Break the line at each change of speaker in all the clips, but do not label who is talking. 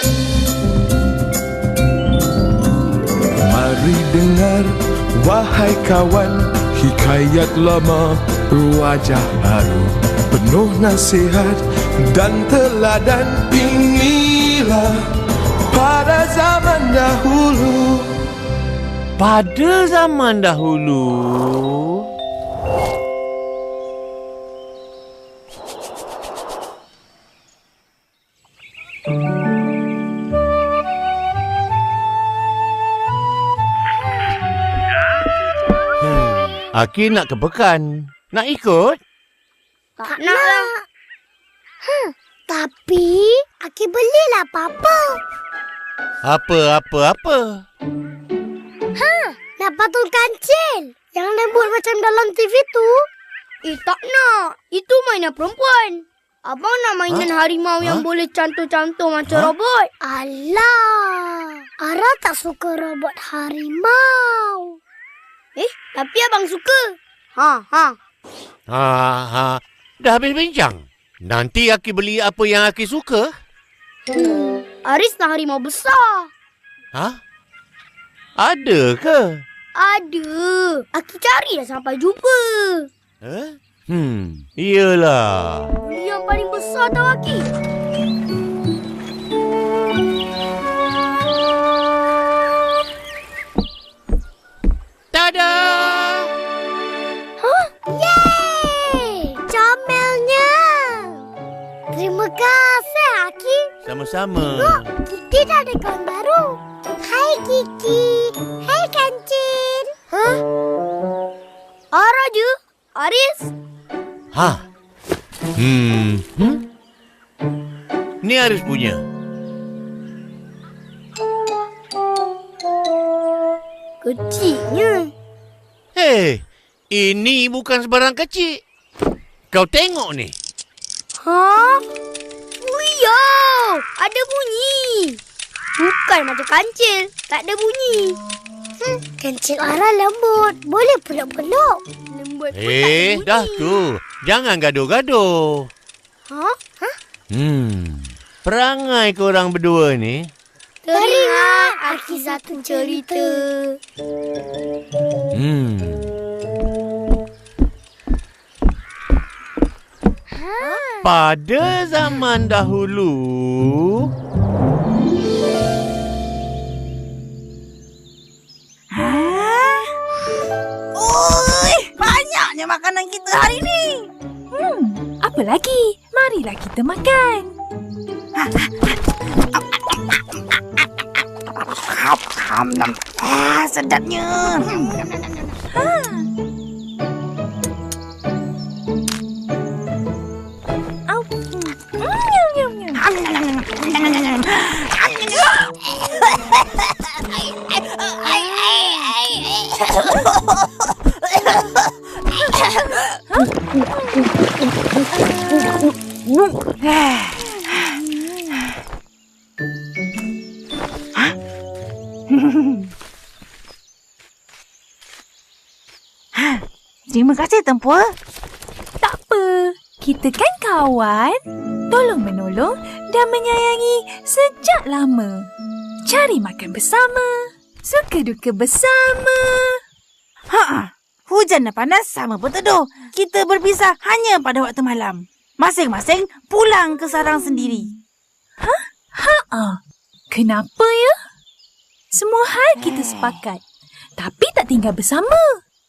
Mari dengar, wahai kawan, hikayat lama berwajah baru, penuh nasihat dan teladan. Inilah pada zaman dahulu.
Pada zaman dahulu. Aki nak ke pekan. Nak ikut?
Tak nak lah. Tapi, Aki belilah apa-apa.
Apa?
Nak patung kancil yang lembut macam dalam TV tu.
Tak nak. Itu mainan perempuan. Abang nak mainan harimau yang boleh cantum-cantum macam robot.
Alah, Ara tak suka robot harimau.
Tapi abang suka.
Dah habis bincang. Nanti Aki beli apa yang Aki suka.
Aris nak harimau besar.
Ada ke?
Ada. Aki cari dah sampai jumpa.
Iyalah.
Beli yang paling besar tau Aki.
Tada!
Yeay! Comelnya! Terima kasih, Aki.
Sama-sama.
Kiki dah ada kawan baru. Hai, Kiki. Hai, Kancil.
Ara je. Aris.
Ni Aris punya.
Kecilnya.
Hei, ini bukan sebarang kecil. Kau tengok ni.
Uyau! Ada bunyi. Bukan macam kancil. Tak ada bunyi.
Kancil Ara lembut. Boleh peluk-peluk.
Lembut pun tak ada bunyi.
Dah tu. Jangan gaduh-gaduh. Perangai korang berdua ni.
Teringat Aki satu cerita.
Pada zaman dahulu.
Banyaknya makanan kita hari ni.
Apa lagi? Marilah kita makan.
Sedapnya. Terima kasih, Tempur.
Tak apa. Kita kan kawan. Tolong-menolong dan menyayangi sejak lama. Cari makan bersama. Suka duka bersama.
Hujan dan panas sama pun teduh. Kita berpisah hanya pada waktu malam. Masing-masing pulang ke sarang sendiri.
Kenapa ya? Semua hal kita sepakat. Tapi tak tinggal bersama.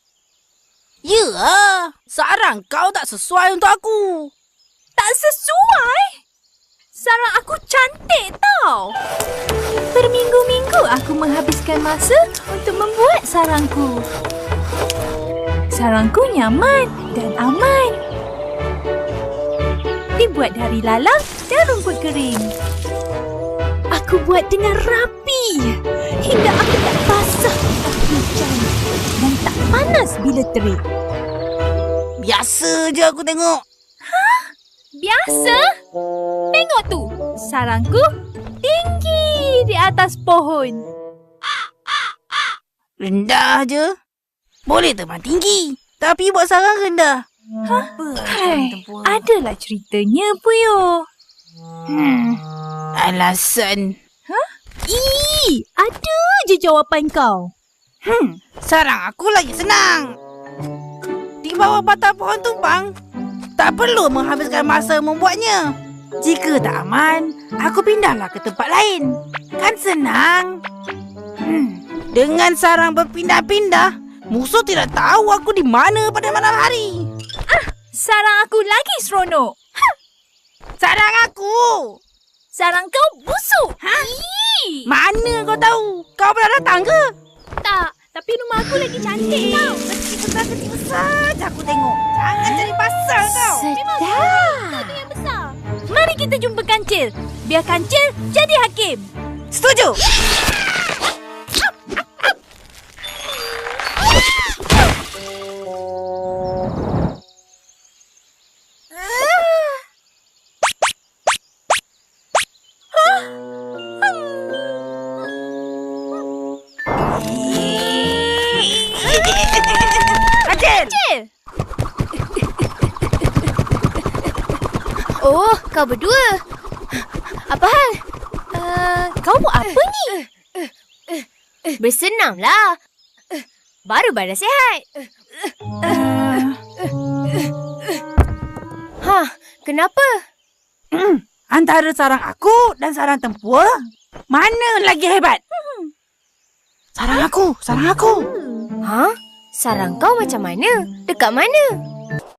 Ya, sarang kau tak sesuai untuk aku.
Tak sesuai? Sarang aku cantik tau. Berminggu-minggu aku menghabiskan masa untuk membuat sarangku. Sarangku nyaman dan aman. Dibuat dari lalang dan rumput kering. Aku buat dengan rapi hingga aku tak basah ketika hujan dan tak panas bila terik.
Biasa je aku tengok.
Biasa? Tengok tu, sarangku tinggi di atas pohon.
Rendah je. Boleh terbang tinggi, tapi buat sarang rendah.
Adalah ceritanya, Puyo.
Alasan
Ada je jawapan kau.
Sarang aku lagi senang. Di bawah batang pohon tumpang, tak perlu menghabiskan masa membuatnya. Jika tak aman, aku pindahlah ke tempat lain. Kan senang. Dengan sarang berpindah-pindah, musuh tidak tahu aku di mana pada malam hari.
Sarang aku lagi seronok.
Sarang aku!
Sarang kau busuk.
Mana kau tahu? Kau pernah datang ke?
Tak, tapi rumah aku lagi cantik tau.
Kecil saja aku tengok. Jangan cari pasal kau.
Kau tu yang besar. Mari kita jumpa Kancil. Biar Kancil jadi hakim.
Setuju.
Kancil! Oh, kau berdua. Apa hal?
Kau buat apa ni?
Bersenamlah. Baru badan sihat. Kenapa?
Antara sarang aku dan sarang tempur, mana lagi hebat? Sarang aku.
Sarang kau macam mana? Dekat mana?